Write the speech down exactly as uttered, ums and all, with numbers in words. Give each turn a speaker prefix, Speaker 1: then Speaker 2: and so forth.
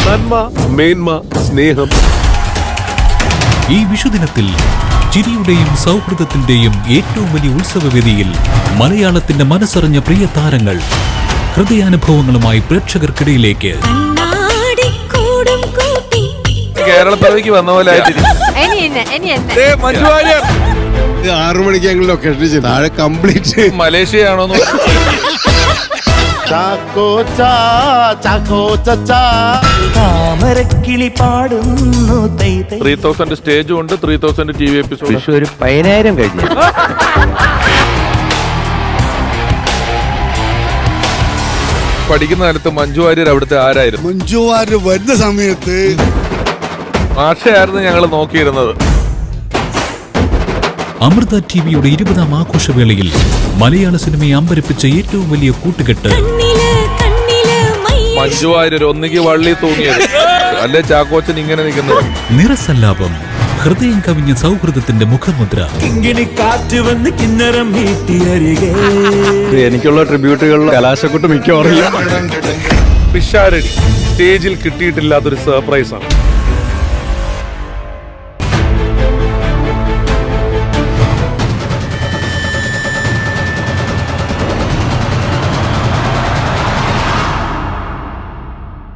Speaker 1: നന്മ, മേന്മ, സ്നേഹം.
Speaker 2: ഈ വിഷുദിനത്തിൽ ചിരിയുടെയും സൗഹൃദത്തിന്റെയും ഏറ്റവും വലിയ ഉത്സവവേദിയിൽ മലയാളത്തിന്റെ മനസ്സറിഞ്ഞ പ്രിയ താരങ്ങൾ ഹൃദയാനുഭവങ്ങളുമായി പ്രേക്ഷകർക്കിടയിലേക്ക്.
Speaker 1: കേരളത്തിലേക്ക് വന്ന പോലെ
Speaker 3: ആറു മണിക്ക് ഞങ്ങൾ ലൊക്കേഷൻ താഴെ കംപ്ലീറ്റ്
Speaker 1: മലേഷ്യയാണോ?
Speaker 4: താമരക്കിളി പാടുന്നു.
Speaker 1: ത്രീ തൗസൻഡ് സ്റ്റേജും ഉണ്ട്, three thousand T V episode.
Speaker 4: ഒരു പതിനായിരം കഴിഞ്ഞു.
Speaker 1: പഠിക്കുന്ന കാലത്ത് മഞ്ജു വാര്യർ അവിടുത്തെ ആരായിരുന്നു?
Speaker 3: മഞ്ജു വാര്യർ വരുന്ന സമയത്ത്
Speaker 1: ആശയായിരുന്നു ഞങ്ങൾ നോക്കിയിരുന്നത്.
Speaker 2: അമൃത ടിവിയുടെ ഇരുപതാം ആഘോഷവേളയിൽ മലയാള സിനിമയെ അമ്പരപ്പിച്ച ഏറ്റവും വലിയ കൂട്ടുകെട്ട്.
Speaker 1: മഞ്ജു വാര്യർ ഒന്നുകിൽ വള്ളി തൂങ്ങിയത്, അല്ലെ ചാക്കോച്ചൻ ഇങ്ങനെ നിൽക്കുന്നത്.
Speaker 2: നിറസല്ലാപം, ഹൃദയം കവിഞ്ഞ സൗഹൃദത്തിന്റെ മുഖമുദ്ര.
Speaker 4: എനിക്കുള്ള ട്രിബ്യൂട്ടുകളിൽ കലാശക്കുട്ട് മിക്കവാറും
Speaker 1: പിഷാരടി സ്റ്റേജിൽ കിട്ടിയിട്ടില്ലാത്തൊരു സർപ്രൈസാണ്.